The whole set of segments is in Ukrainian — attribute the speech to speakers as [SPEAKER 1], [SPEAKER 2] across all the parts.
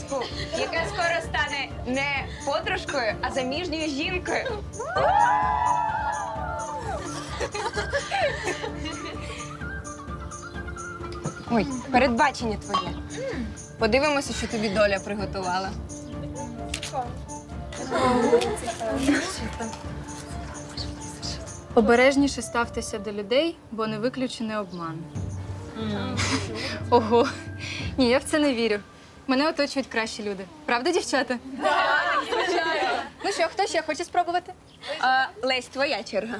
[SPEAKER 1] зачіску, яка скоро стане не подружкою, а заміжньою жінкою. Ой, передбачення твоє. Подивимося, що тобі доля приготувала.
[SPEAKER 2] Обережніше ставтеся до людей, бо не виключений обман. Ого. Ні, я в це не вірю. Мене оточують кращі люди. Правда, дівчата? Ну що, хто ще хоче спробувати?
[SPEAKER 1] Лесь, твоя черга.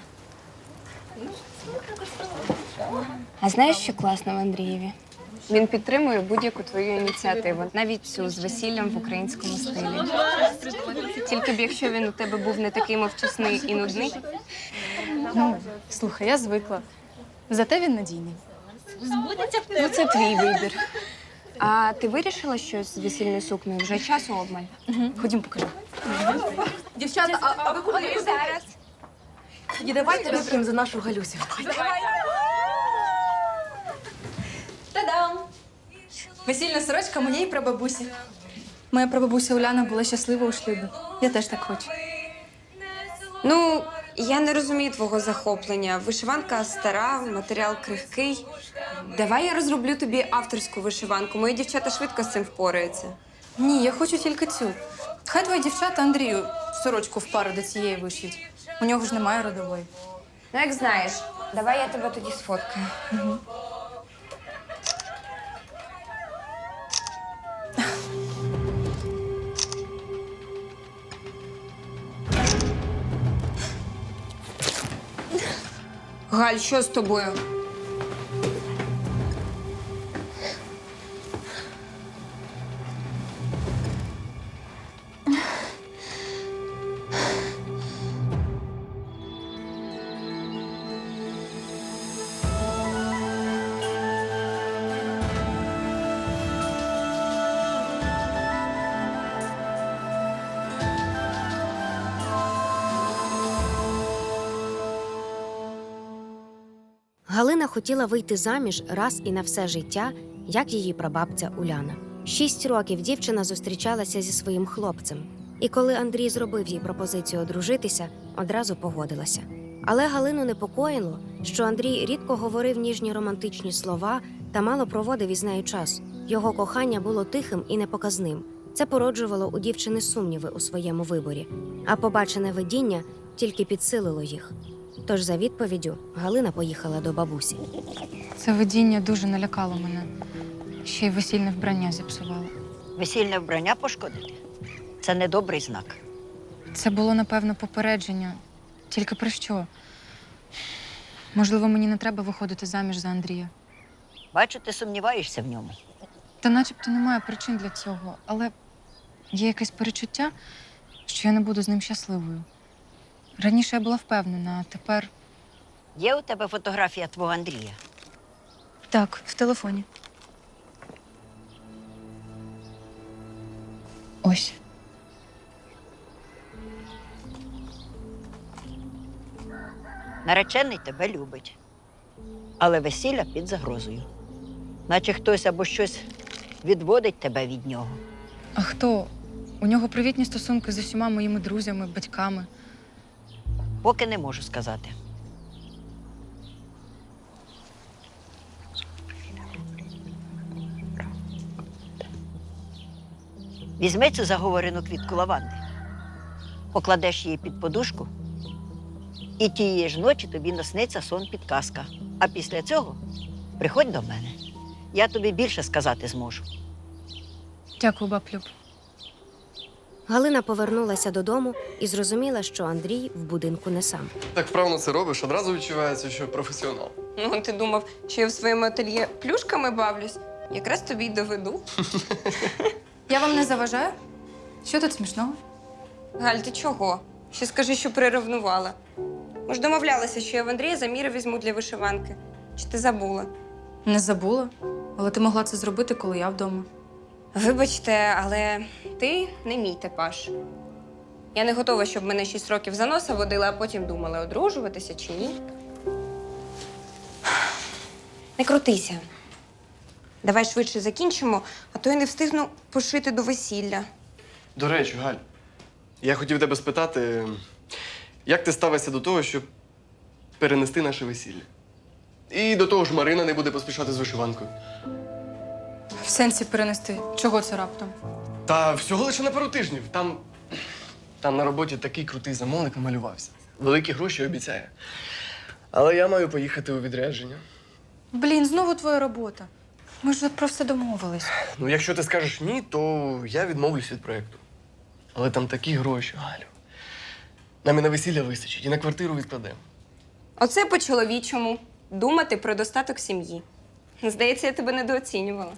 [SPEAKER 1] А знаєш, що класно в Андрієві? Він підтримує будь-яку твою ініціативу, навіть цю з весіллям в українському стилі. Тільки б якщо він у тебе був не такий мовчасний і нудний.
[SPEAKER 2] Ну, слухай, я звикла. Зате він надійний.
[SPEAKER 1] Ну, це твій вибір. А ти вирішила щось з весільною сукнею? Вже часу обмаль?
[SPEAKER 2] Ходім, покажу.
[SPEAKER 3] Дівчата, а ви куди
[SPEAKER 1] зараз?
[SPEAKER 3] Тоді давайте вип'ємо за нашу Галюсю.
[SPEAKER 2] Та-дам! Весільна сорочка моєї прабабусі. Моя прабабуся Уляна була щаслива у шлюбі. Я теж так хочу.
[SPEAKER 1] Ну, я не розумію твого захоплення. Вишиванка стара, матеріал крихкий. Давай я розроблю тобі авторську вишиванку. Мої дівчата швидко з цим впораються.
[SPEAKER 2] Ні, я хочу тільки цю. Хай твої дівчата Андрію сорочку в пару до цієї вишиють. У нього ж немає родової.
[SPEAKER 1] Ну, як знаєш, давай я тебе тоді сфоткаю. Галь, що з тобою?
[SPEAKER 4] Галина хотіла вийти заміж раз і на все життя, як її прабабця Уляна. 6 років дівчина зустрічалася зі своїм хлопцем. І коли Андрій зробив їй пропозицію одружитися, одразу погодилася. Але Галину непокоїло, що Андрій рідко говорив ніжні романтичні слова та мало проводив із нею час. Його кохання було тихим і непоказним. Це породжувало у дівчини сумніви у своєму виборі. А побачене видіння тільки підсилило їх. Тож за відповіддю Галина поїхала до бабусі.
[SPEAKER 2] Це видіння дуже налякало мене. Ще й весільне вбрання зіпсувало.
[SPEAKER 5] Весільне вбрання пошкодити – це недобрий знак.
[SPEAKER 2] Це було, напевно, попередження. Тільки про що? Можливо, мені не треба виходити заміж за Андрія.
[SPEAKER 5] Бачу, ти сумніваєшся в ньому.
[SPEAKER 2] Та начебто немає причин для цього, але є якесь перечуття, що я не буду з ним щасливою. Раніше я була впевнена, а тепер…
[SPEAKER 5] Є у тебе фотографія твого Андрія?
[SPEAKER 2] Так, в телефоні. Ось.
[SPEAKER 5] Наречений тебе любить, але весілля під загрозою. Наче хтось або щось відводить тебе від нього.
[SPEAKER 2] А хто? У нього привітні стосунки з усіма моїми друзями, батьками.
[SPEAKER 5] Поки не можу сказати. Візьми цю заговорену квітку лаванди, покладеш її під подушку, і тієї ж ночі тобі насниться сон-підказка. А після цього приходь до мене. Я тобі більше сказати зможу.
[SPEAKER 2] Дякую, баблюб.
[SPEAKER 4] Галина повернулася додому і зрозуміла, що Андрій в будинку не сам.
[SPEAKER 6] Так вправно це робиш, одразу відчувається, що професіонал.
[SPEAKER 1] Ну, ти думав, що я в своєму ательє плюшками бавлюсь? Якраз тобі й доведу.
[SPEAKER 2] Я вам не заважаю? Що тут смішного?
[SPEAKER 1] Галь, ти чого? Ще скажи, що приревнувала. Ми ж домовлялися, що я в Андрія заміри візьму для вишиванки. Чи ти забула?
[SPEAKER 2] Не забула. Але ти могла це зробити, коли я вдома.
[SPEAKER 1] Вибачте, але ти не мій типаж. Я не готова, щоб мене 6 років за носа водили, а потім думали, одружуватися чи ні. Не крутися. Давай швидше закінчимо, а то я не встигну пошити до весілля.
[SPEAKER 6] До речі, Галь, я хотів тебе спитати, як ти ставишся до того, щоб перенести наше весілля? І до того ж Марина не буде поспішати з вишиванкою.
[SPEAKER 2] В сенсі перенести. Чого це раптом?
[SPEAKER 6] Та всього лише на пару тижнів. Там на роботі такий крутий замовник намалювався. Великі гроші обіцяє. Але я маю поїхати у відрядження.
[SPEAKER 2] Блін, знову твоя робота. Ми ж про все домовились.
[SPEAKER 6] Ну, якщо ти скажеш ні, то я відмовлюсь від проєкту. Але там такі гроші, Галю. Нам і на весілля вистачить, і на квартиру відкладемо.
[SPEAKER 1] Оце по-чоловічому. Думати про достаток сім'ї. Здається, я тебе недооцінювала.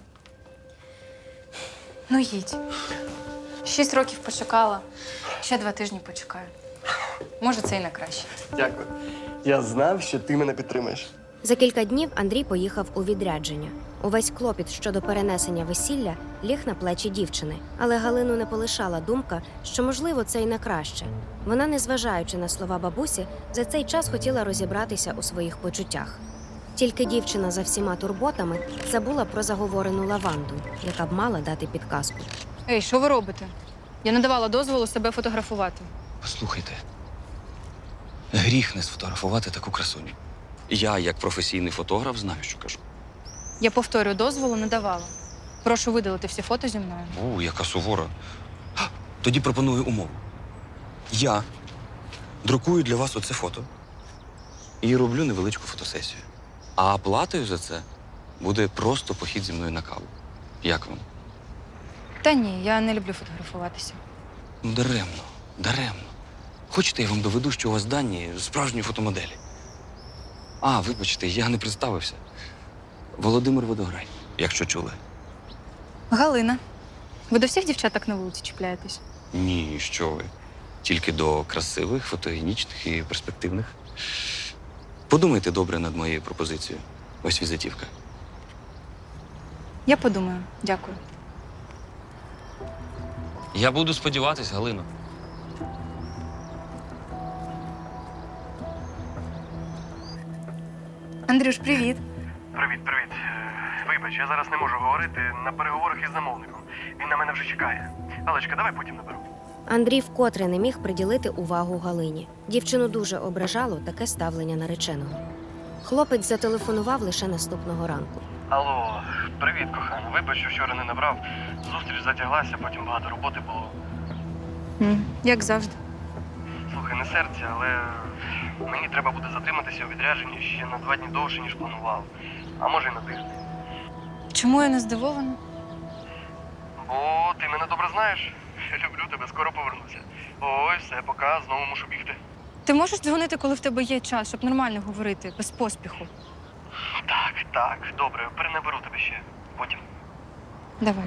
[SPEAKER 2] Ну їдь. 6 років почекала, ще 2 тижні почекаю. Може, це і на краще.
[SPEAKER 6] Дякую. Я знав, що ти мене підтримаєш.
[SPEAKER 4] За кілька днів Андрій поїхав у відрядження. Увесь клопіт щодо перенесення весілля ліг на плечі дівчини. Але Галину не полишала думка, що, можливо, це й на краще. Вона, незважаючи на слова бабусі, за цей час хотіла розібратися у своїх почуттях. Тільки дівчина за всіма турботами забула про заговорену лаванду, яка б мала дати підказку.
[SPEAKER 2] Ей, що ви робите? Я не давала дозволу себе фотографувати.
[SPEAKER 7] Послухайте, гріх не сфотографувати таку красуню. Я, як професійний фотограф, знаю, що кажу.
[SPEAKER 2] Я повторюю, дозволу не давала. Прошу видалити всі фото зі мною.
[SPEAKER 7] О, яка сувора. Тоді пропоную умову. Я друкую для вас оце фото і роблю невеличку фотосесію. А оплатою за це буде просто похід зі мною на каву. Як вам?
[SPEAKER 2] Та ні, я не люблю фотографуватися.
[SPEAKER 7] Ну, даремно. Хочете, я вам доведу, що у вас дані справжньої фотомоделі? А, вибачте, я не представився. Володимир Водограй, якщо чули.
[SPEAKER 2] Галина, ви до всіх дівчаток на вулиці чіпляєтесь?
[SPEAKER 7] Ні, що ви. Тільки до красивих, фотогенічних і перспективних. Подумайте добре над моєю пропозицією. Ось візитівка.
[SPEAKER 2] Я подумаю. Дякую.
[SPEAKER 7] Я буду сподіватись, Галино.
[SPEAKER 2] Андрюш, привіт.
[SPEAKER 6] Привіт. Вибач, я зараз не можу говорити на переговорах із замовником. Він на мене вже чекає. Алечка, давай потім наберу.
[SPEAKER 4] Андрій вкотре не міг приділити увагу Галині. Дівчину дуже ображало таке ставлення нареченого. Хлопець зателефонував лише наступного ранку.
[SPEAKER 6] Алло, привіт, кохана. Вибач, що вчора не набрав. Зустріч затяглася, потім багато роботи було.
[SPEAKER 2] Як завжди.
[SPEAKER 6] Слухай, не серця, але мені треба буде затриматися у відрядженні ще на 2 дні довше, ніж планував. А може, й на тиждень.
[SPEAKER 2] Чому я не здивована?
[SPEAKER 6] Бо ти мене добре знаєш. Я люблю тебе, скоро повернуся. Ой, все, пока, знову мушу бігти.
[SPEAKER 2] Ти можеш дзвонити, коли в тебе є час, щоб нормально говорити, без поспіху?
[SPEAKER 6] Так, добре, перенаберу тебе ще. Потім.
[SPEAKER 2] Давай.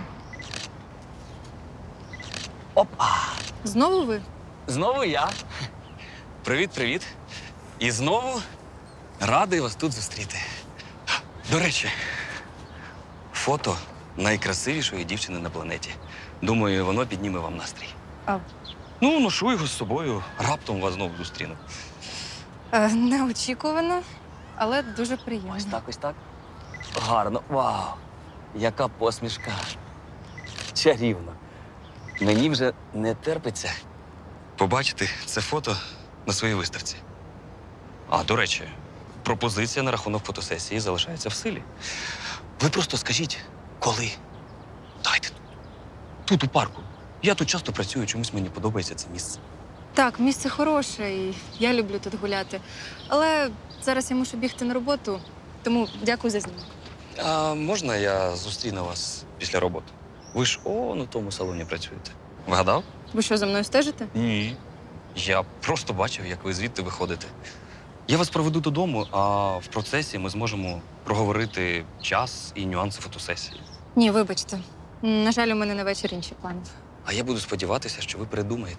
[SPEAKER 7] Опа!
[SPEAKER 2] Знову ви?
[SPEAKER 7] Знову я. Привіт. І знову радий вас тут зустріти. До речі, фото найкрасивішої дівчини на планеті. Думаю, воно підніме вам настрій.
[SPEAKER 2] А.
[SPEAKER 7] Ну, ношу його з собою. Раптом вас знову зустріну.
[SPEAKER 2] Неочікувано, але дуже приємно.
[SPEAKER 7] Ось так. Гарно. Вау! Яка посмішка. Чарівно. Мені вже не терпиться побачити це фото на своїй виставці. А, до речі, пропозиція на рахунок фотосесії залишається в силі. Ви просто скажіть, коли? Дайте тут, у парку. Я тут часто працюю, чомусь мені подобається це місце.
[SPEAKER 2] Так, місце хороше, і я люблю тут гуляти. Але зараз я мушу бігти на роботу, тому дякую за знімок.
[SPEAKER 7] А можна я зустріну вас після роботи? Ви ж на тому салоні працюєте. Вгадав?
[SPEAKER 2] Ви що, за мною стежите?
[SPEAKER 7] Ні. Я просто бачив, як ви звідти виходите. Я вас проведу додому, а в процесі ми зможемо проговорити час і нюанси фотосесії.
[SPEAKER 2] Ні, вибачте. На жаль, у мене на вечір інші плани.
[SPEAKER 7] А я буду сподіватися, що ви передумаєте.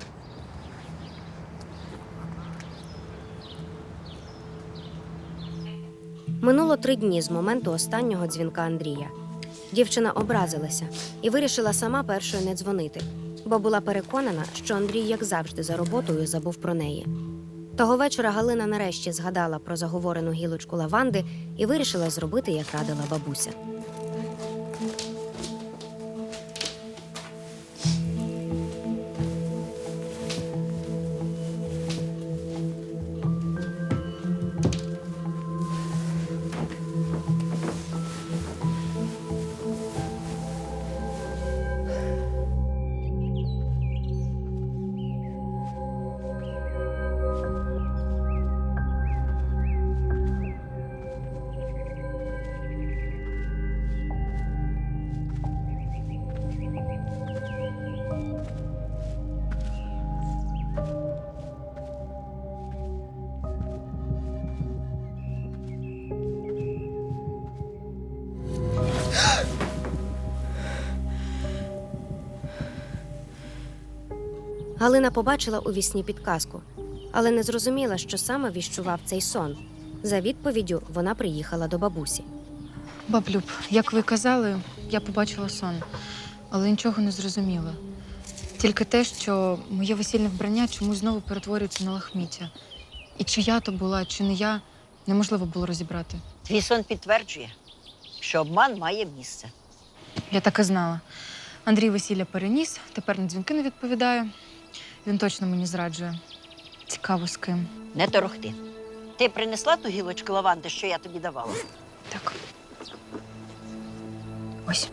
[SPEAKER 4] Минуло 3 дні з моменту останнього дзвінка Андрія. Дівчина образилася і вирішила сама першою не дзвонити, бо була переконана, що Андрій, як завжди, за роботою забув про неї. Того вечора Галина нарешті згадала про заговорену гілочку лаванди і вирішила зробити, як радила бабуся. Галина побачила у вісні підказку, але не зрозуміла, що саме віщував цей сон. За відповіддю вона приїхала до бабусі.
[SPEAKER 2] Баблюб, як ви казали, я побачила сон, але нічого не зрозуміла. Тільки те, що моє весільне вбрання чомусь знову перетворюється на лахміття. І чи я то була, чи не я, неможливо було розібрати.
[SPEAKER 5] Твій сон підтверджує, що обман має місце.
[SPEAKER 2] Я так і знала. Андрій весілля переніс, тепер на дзвінки не відповідає. Він точно мені зраджує. Цікаво, з ким.
[SPEAKER 5] Не торохти. Ти принесла ту гілочку лаванди, що я тобі давала?
[SPEAKER 2] Так. Ось.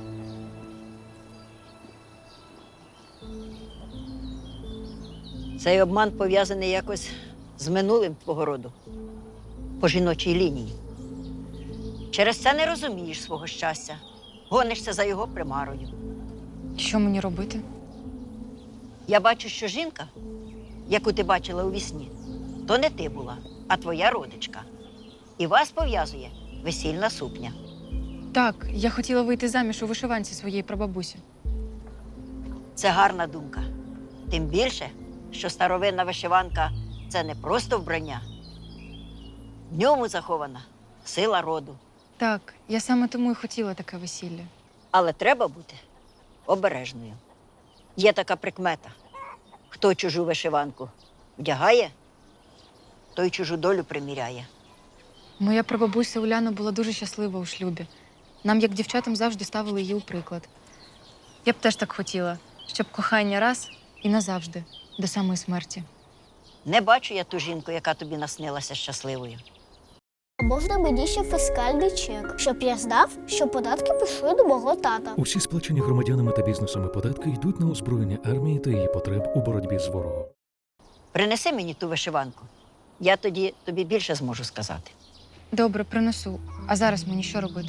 [SPEAKER 5] Цей обман пов'язаний якось з минулим твого роду, по жіночій лінії. Через це не розумієш свого щастя, гонишся за його примарою.
[SPEAKER 2] Що мені робити?
[SPEAKER 5] Я бачу, що жінка, яку ти бачила у вісні, то не ти була, а твоя родичка. І вас пов'язує весільна сукня.
[SPEAKER 2] Так, я хотіла вийти заміж у вишиванці своєї прабабусі.
[SPEAKER 5] Це гарна думка. Тим більше, що старовинна вишиванка – це не просто вбрання. В ньому захована сила роду.
[SPEAKER 2] Так, я саме тому і хотіла таке весілля.
[SPEAKER 5] Але треба бути обережною. Є така прикмета. Хто чужу вишиванку вдягає, той чужу долю приміряє.
[SPEAKER 2] Моя прабабуся Уляна була дуже щаслива у шлюбі. Нам, як дівчатам, завжди ставили її у приклад. Я б теж так хотіла, щоб кохання раз і назавжди, до самої смерті.
[SPEAKER 5] Не бачу я ту жінку, яка тобі наснилася щасливою.
[SPEAKER 8] А можна мені ще фіскальний чек, щоб я знав, що податки пішли до мого тата.
[SPEAKER 9] Усі сплачені громадянами та бізнесами податки йдуть на озброєння армії та її потреб у боротьбі з ворогом.
[SPEAKER 5] Принеси мені ту вишиванку. Я тоді тобі більше зможу сказати.
[SPEAKER 2] Добре, принесу. А зараз мені що робити?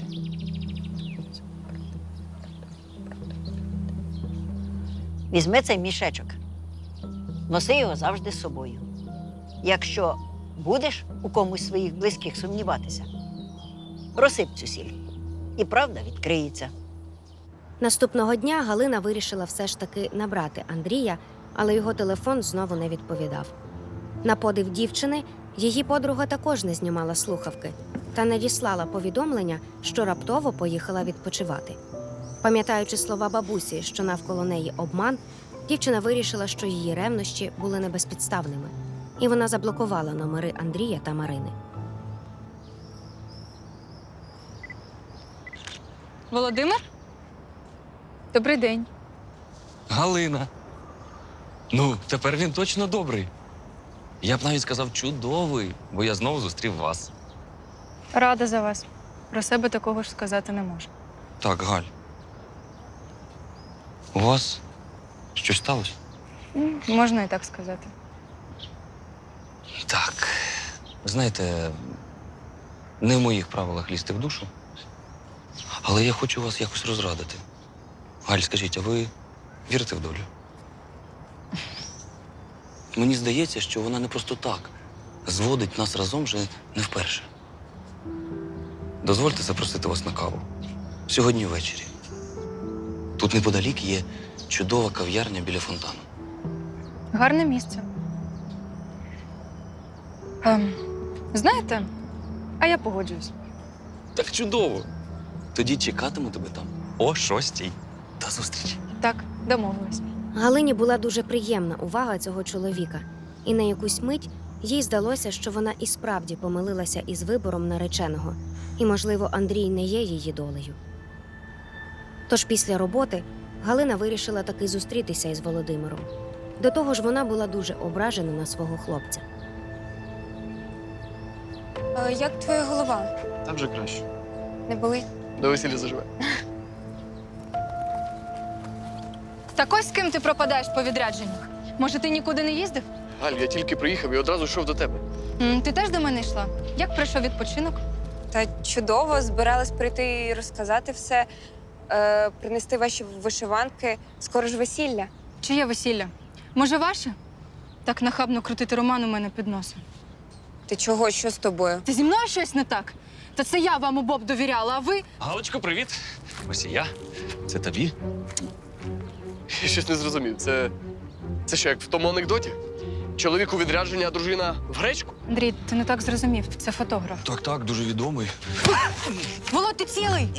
[SPEAKER 5] Візьми цей мішечок. Носи його завжди з собою. Якщо будеш у комусь з своїх близьких сумніватися, розсип цю сіль. І правда відкриється.
[SPEAKER 4] Наступного дня Галина вирішила все ж таки набрати Андрія, але його телефон знову не відповідав. На подив дівчини, її подруга також не знімала слухавки та надіслала повідомлення, що раптово поїхала відпочивати. Пам'ятаючи слова бабусі, що навколо неї обман, дівчина вирішила, що її ревнощі були небезпідставними, і вона заблокувала номери Андрія та Марини.
[SPEAKER 2] Володимир? Добрий день.
[SPEAKER 7] Галина. Ну, тепер він точно добрий. Я б навіть сказав чудовий, бо я знову зустрів вас.
[SPEAKER 2] Рада за вас. Про себе такого ж сказати не можу.
[SPEAKER 7] Так, Галь. У вас щось сталося?
[SPEAKER 2] Можна і так сказати.
[SPEAKER 7] Так. Знаєте, не в моїх правилах лізти в душу, але я хочу вас якось розрадити. Галь, скажіть, а ви вірите в долю? Мені здається, що вона не просто так зводить нас разом вже не вперше. Дозвольте запросити вас на каву. Сьогодні ввечері. Тут неподалік є чудова кав'ярня біля фонтану.
[SPEAKER 2] Гарне місце. Знаєте, а я погоджуюсь.
[SPEAKER 7] Так чудово! Тоді чекатиму тебе там о 6:00. До зустрічі.
[SPEAKER 2] Так, домовились.
[SPEAKER 4] Галині була дуже приємна увага цього чоловіка, і на якусь мить їй здалося, що вона і справді помилилася із вибором нареченого, і, можливо, Андрій не є її долею. Тож після роботи Галина вирішила таки зустрітися із Володимиром. До того ж, вона була дуже ображена на свого хлопця.
[SPEAKER 1] Як твоя голова?
[SPEAKER 6] Та вже краще.
[SPEAKER 1] Не болить?
[SPEAKER 6] До весілля заживе.
[SPEAKER 2] Так ось з ким ти пропадаєш по відрядженнях? Може, ти нікуди не їздив?
[SPEAKER 6] Галь, я тільки приїхав і одразу йшов до тебе.
[SPEAKER 2] Ти теж до мене йшла? Як пройшов відпочинок?
[SPEAKER 1] Та чудово, збиралась прийти і розказати все, принести ваші вишиванки. Скоро ж весілля.
[SPEAKER 2] Чиє весілля? Може, ваше? Так нахабно крутити роман у мене під носом.
[SPEAKER 1] Ти чого? Що з тобою?
[SPEAKER 2] Та зі мною щось не так? Та це я вам обоб довіряла, а ви?
[SPEAKER 7] Галочко, привіт. Ось і я. Це тобі.
[SPEAKER 6] Я щось не зрозумів. Це що, як в тому анекдоті? Чоловік у відрядження, а дружина в гречку?
[SPEAKER 2] Андрій, ти не так зрозумів. Це фотограф.
[SPEAKER 7] Так, дуже відомий.
[SPEAKER 2] Володь, ти цілий?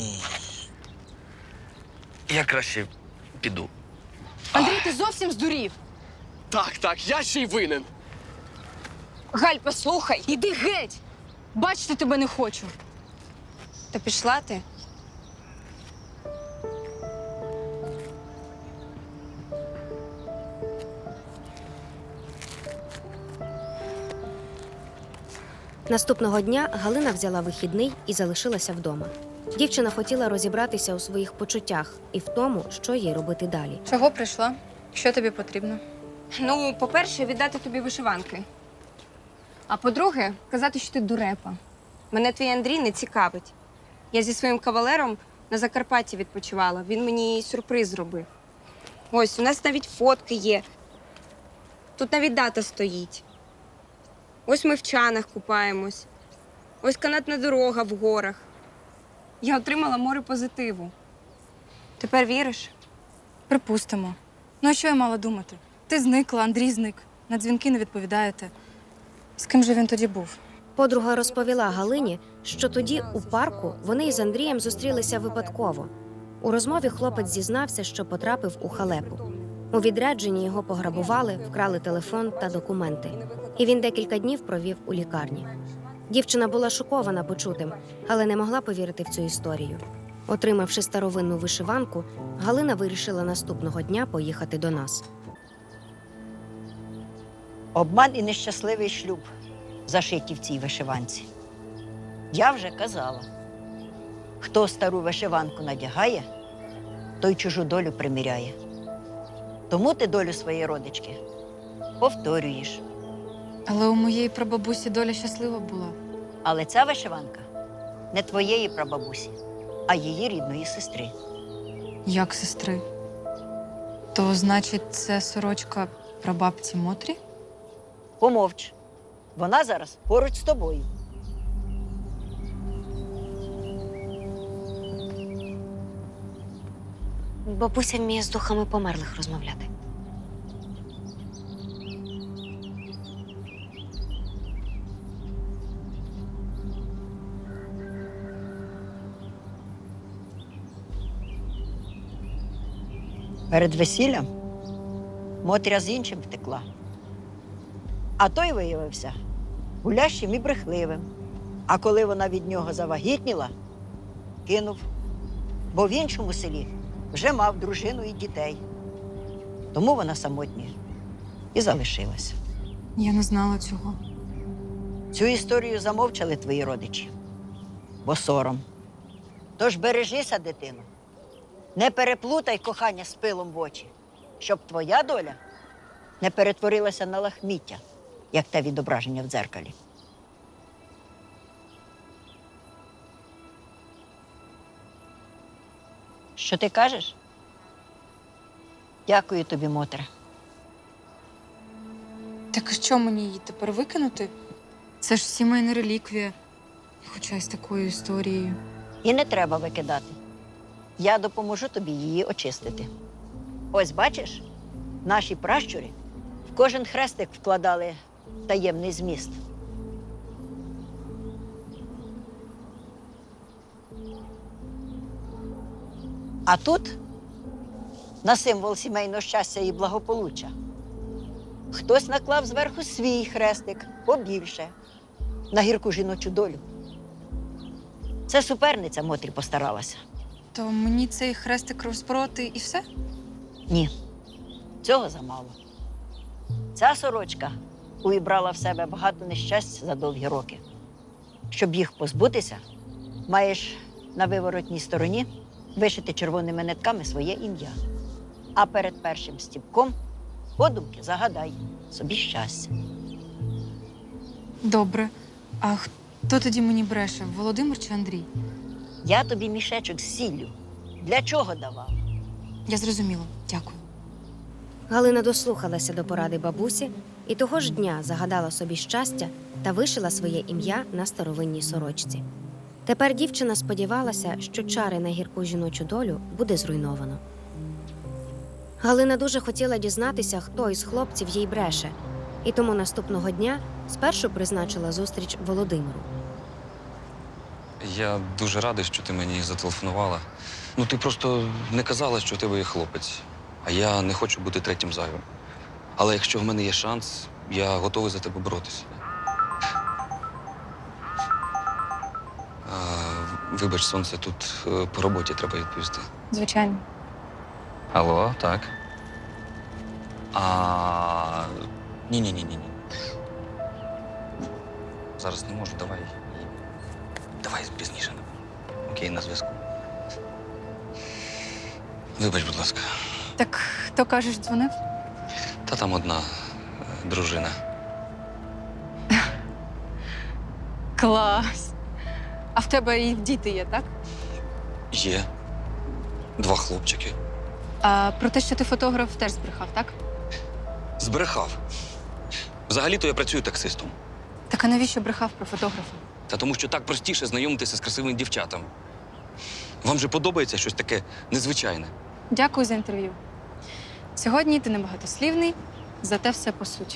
[SPEAKER 7] Я краще піду.
[SPEAKER 2] Андрій, ти зовсім здурів.
[SPEAKER 6] Так, я ще й винен.
[SPEAKER 1] Галь, послухай.
[SPEAKER 2] Іди геть! Бачити тебе не хочу.
[SPEAKER 1] Та пішла ти?
[SPEAKER 4] Наступного дня Галина взяла вихідний і залишилася вдома. Дівчина хотіла розібратися у своїх почуттях і в тому, що їй робити далі.
[SPEAKER 2] Чого прийшла? Що тобі потрібно?
[SPEAKER 1] Ну, по-перше, віддати тобі вишиванки. А по-друге, казати, що ти дурепа. Мене твій Андрій не цікавить. Я зі своїм кавалером на Закарпатті відпочивала. Він мені сюрприз зробив. Ось, у нас навіть фотки є. Тут навіть дата стоїть. Ось ми в чанах купаємось. Ось канатна дорога в горах. Я отримала море позитиву. Тепер віриш?
[SPEAKER 2] Припустимо. Ну, а що я мала думати? Ти зникла, Андрій зник. На дзвінки не відповідаєте. З ким же він тоді був?
[SPEAKER 4] Подруга розповіла Галині, що тоді у парку вони із Андрієм зустрілися випадково. У розмові хлопець зізнався, що потрапив у халепу. У відрядженні його пограбували, вкрали телефон та документи. І він декілька днів провів у лікарні. Дівчина була шокована почутим, але не могла повірити в цю історію. Отримавши старовинну вишиванку, Галина вирішила наступного дня поїхати до нас.
[SPEAKER 5] Обман і нещасливий шлюб зашиті в цій вишиванці. Я вже казала, хто стару вишиванку надягає, той чужу долю приміряє. Тому ти долю своєї родички повторюєш.
[SPEAKER 2] Але у моєї прабабусі доля щаслива була.
[SPEAKER 5] Але ця вишиванка не твоєї прабабусі, а її рідної сестри.
[SPEAKER 2] Як сестри? То, значить, це сорочка прабабці Мотрі?
[SPEAKER 5] Помовч. Вона зараз поруч з тобою.
[SPEAKER 4] Бабуся вміє з духами померлих розмовляти.
[SPEAKER 5] Перед весіллям Мотря з іншим втекла. А той виявився гулящим і брехливим. А коли вона від нього завагітніла, кинув. Бо в іншому селі вже мав дружину і дітей. Тому вона самотня і залишилася.
[SPEAKER 2] Я не знала цього.
[SPEAKER 5] Цю історію замовчали твої родичі, бо сором. Тож бережися, дитино. Не переплутай кохання з пилом в очі, щоб твоя доля не перетворилася на лахміття, як те відображення в дзеркалі. Що ти кажеш? Дякую тобі, Мотре.
[SPEAKER 2] Так і що мені її тепер викинути? Це ж сімейна реліквія, хоча й з такою історією.
[SPEAKER 5] І не треба викидати. Я допоможу тобі її очистити. Ось бачиш, наші пращури в кожен хрестик вкладали таємний зміст. А тут на символ сімейного щастя і благополуччя хтось наклав зверху свій хрестик побільше на гірку жіночу долю. Це суперниця Мотрі постаралася.
[SPEAKER 2] То мені цей хрестик розпроти і все?
[SPEAKER 5] Ні, цього замало. Ця сорочка увібрала в себе багато нещасть за довгі роки. Щоб їх позбутися, маєш на виворотній стороні вишити червоними нитками своє ім'я. А перед першим стіпком подумки загадай собі щастя.
[SPEAKER 2] Добре. А хто тоді мені бреше? Володимир чи Андрій?
[SPEAKER 5] Я тобі мішечок з сіллю. Для чого давав?
[SPEAKER 2] Я зрозуміла. Дякую.
[SPEAKER 4] Галина дослухалася до поради бабусі і того ж дня загадала собі щастя та вишила своє ім'я на старовинній сорочці. Тепер дівчина сподівалася, що чари на гірку жіночу долю буде зруйновано. Галина дуже хотіла дізнатися, хто із хлопців їй бреше, і тому наступного дня спершу призначила зустріч Володимиру.
[SPEAKER 7] Я дуже радий, що ти мені зателефонувала. Ну, ти просто не казала, що у тебе є хлопець. А я не хочу бути третім зайвим. Але якщо в мене є шанс, я готовий за тебе боротися. Вибач, сонце, тут по роботі треба відповісти.
[SPEAKER 2] Звичайно.
[SPEAKER 7] Алло, так. Ні. Зараз не можу, давай. Давай пізніше. Окей, на зв'язку. Вибач, будь ласка.
[SPEAKER 2] Так хто, кажеш, дзвонив?
[SPEAKER 7] Та там одна дружина.
[SPEAKER 2] Клас. А в тебе і діти є, так?
[SPEAKER 7] Є. 2 хлопчики.
[SPEAKER 2] А про те, що ти фотограф, теж збрехав, так?
[SPEAKER 7] Збрехав. Взагалі-то я працюю таксистом.
[SPEAKER 2] Так а навіщо брехав про фотографа?
[SPEAKER 7] Та тому що так простіше знайомитися з красивими дівчатами. Вам же подобається щось таке незвичайне?
[SPEAKER 2] Дякую за інтерв'ю. Сьогодні ти небагатослівний, зате все по суті.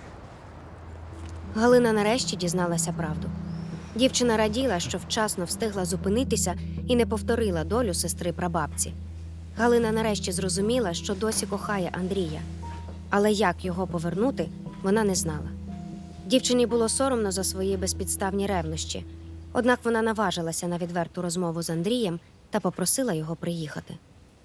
[SPEAKER 4] Галина нарешті дізналася правду. Дівчина раділа, що вчасно встигла зупинитися і не повторила долю сестри прабабці. Галина нарешті зрозуміла, що досі кохає Андрія. Але як його повернути, вона не знала. Дівчині було соромно за свої безпідставні ревнощі. Однак вона наважилася на відверту розмову з Андрієм та попросила його приїхати.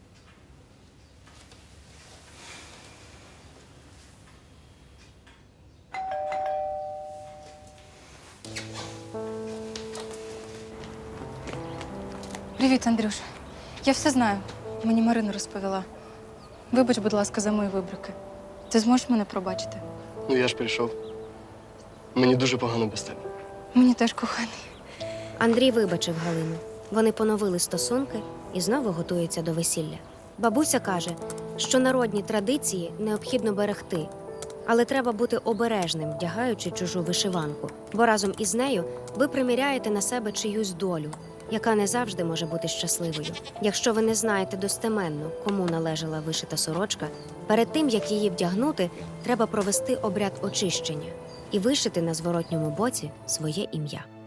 [SPEAKER 2] Привіт, Андрюш. Я все знаю. Мені Марина розповіла. Вибач, будь ласка, за мої вибрики. Ти зможеш мене пробачити?
[SPEAKER 6] Ну я ж прийшов. Мені дуже погано без тебе.
[SPEAKER 2] Мені теж коханий.
[SPEAKER 4] Андрій вибачив Галину. Вони поновили стосунки і знову готуються до весілля. Бабуся каже, що народні традиції необхідно берегти, але треба бути обережним, вдягаючи чужу вишиванку, бо разом із нею ви приміряєте на себе чиюсь долю, яка не завжди може бути щасливою. Якщо ви не знаєте достеменно, кому належала вишита сорочка, перед тим, як її вдягнути, треба провести обряд очищення і вишити на зворотньому боці своє ім'я.